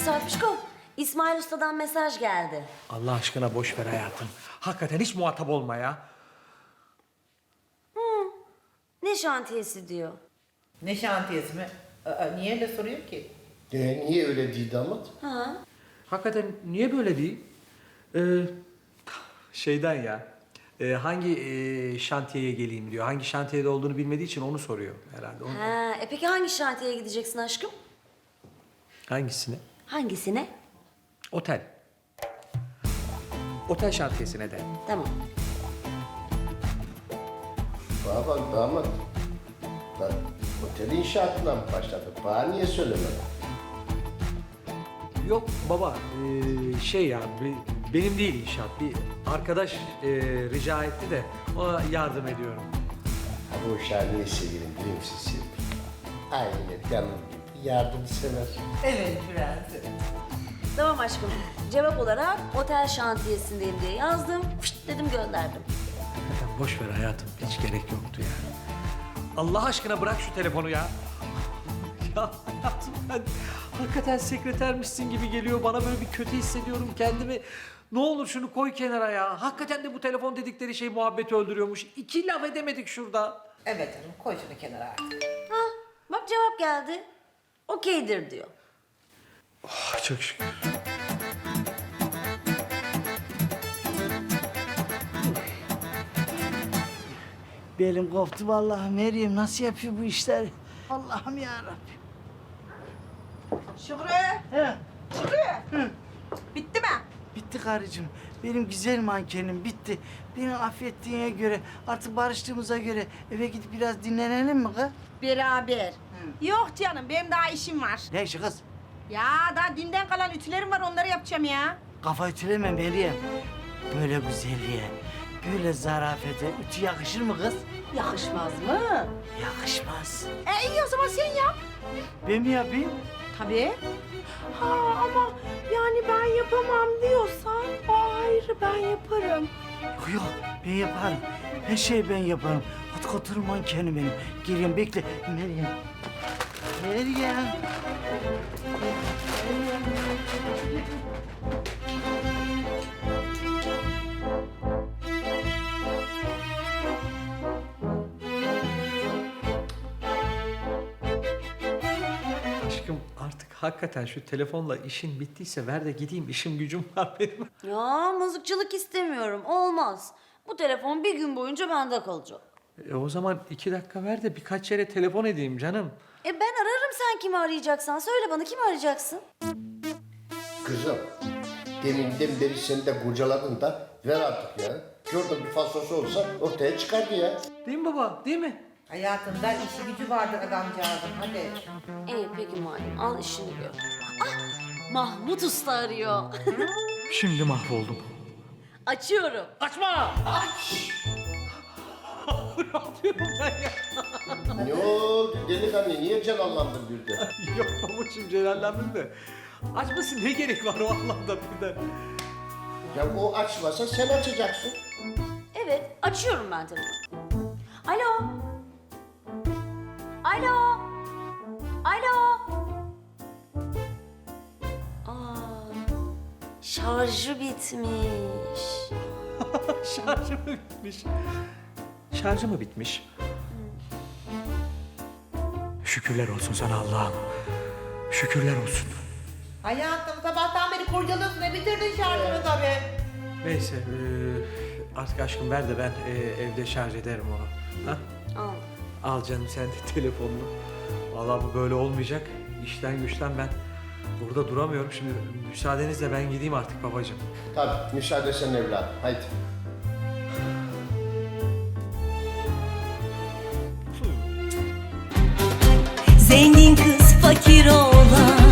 Sarpışko, İsmail Usta'dan mesaj geldi. Allah aşkına boş ver hayatım. Hakikaten hiç muhatap olma ya. Ne şantiyesi diyor. Ne şantiyesi mi? Niye öyle soruyor ki? Niye öyle değil damat? Ha? Hakikaten niye böyle değil? Şeyden ya. Hangi şantiyeye geleyim diyor. Hangi şantiyede olduğunu bilmediği için onu soruyor herhalde. Ha, peki hangi şantiyeye gideceksin aşkım? Hangisine? Hangisine? Otel. Otel şantiyesine de. Tamam. Bana bak damat. Bak otel inşaatına mı başladı? Bana niye söylemedin? Yok baba, şey ya, benim değil inşaat. Bir arkadaş rica etti de ona yardım ediyorum. Ha bu uşağı niye severim biliyor musun Serpil? Aynı canım gibi yardımsever. Evet prensim. Tamam aşkım. Cevap olarak otel şantiyesindeyim diye yazdım. Fışt dedim gönderdim. Hakikaten boş ver hayatım, hiç gerek yoktu yani. Allah aşkına bırak şu telefonu ya. Ya hayatım ben hakikaten sekretermişsin gibi geliyor. Bana böyle bir kötü hissediyorum kendimi. Ne olur şunu koy kenara ya. Hakikaten de bu telefon dedikleri şey muhabbeti öldürüyormuş. 2 laf edemedik şurada. Evet canım koy şunu kenara artık. Ha, bak cevap geldi. Okeydir diyor. Oh, çok şükür. Belim koptu vallahi Meryem, nasıl yapıyor bu işleri? Allah'ım ya Rabbim. Şükrü, He, Şükrü. Bitti mi? bitti karıcığım. Benim güzel mankenim bitti. Beni affettiğine göre, artık barıştığımıza göre eve gidip biraz dinlenelim mi kız? Beraber. Yok canım, benim daha işim var. Ne işi kız? Ya daha dünden kalan ütülerim var, onları yapacağım ya. Kafa ütüleme Meryem. Böyle güzelliğe, böyle zarafete ütü yakışır mı kız? Yakışmaz mı? Yakışmaz. İyi o zaman sen yap. Ben mi yapayım? Tabii. Ha ama yani ben yapamam diyorsan o ayrı, ben yaparım. Yok, ben yaparım. Her şeyi ben yaparım. Hadi oturun mankenim benim. Geliyorum, bekle. Meryem. Meryem. Aşkım artık hakikaten şu telefonla işin bittiyse ver de gideyim. İşim gücüm var benim. Ya mızıkçılık istemiyorum. Olmaz. Bu telefon bir gün boyunca bende kalacak. O zaman 2 dakika ver de birkaç yere telefon edeyim canım. Ben ararım, sen kimi arayacaksan. Söyle bana, kimi arayacaksın? Kızım, deminden beri seni de kurcaladın da ver artık ya. Şurada bir fasosu olsa ortaya çıkardı ya. Değil mi baba? Değil mi? Hayatında işi gücü vardır adamcağızın hadi. İyi peki malum, al işini gör. Ah, Mahmut Usta arıyor. Şimdi mahvoldum. Açıyorum. Açma! Aç! Ne yapıyorum ben ya? Ne oldu delikanlı, niye celallandın birden? Yok babacığım celallendim de. Açmasın ne gerek var o anlamda birden. Ya o açmasa sen açacaksın. Evet, açıyorum ben telefonu. Alo. Alo. Alo. Aa, şarjı bitmiş. Şarjı mı bitmiş? Şarjı mı bitmiş? Şükürler olsun sana Allah'ım. Şükürler olsun. Hayatım sabahtan beri kurcalıyorsun ne bitirdin şarjını tabii. Neyse artık aşkım ver de ben evde şarj ederim onu. Ha? Al. Al canım sen de telefonunu. Vallahi bu böyle olmayacak. İşten güçten ben burada duramıyorum. Şimdi müsaadenizle ben gideyim artık babacığım. Tabii, müsaade sen evladım, haydi. Zengin kız fakir oğlan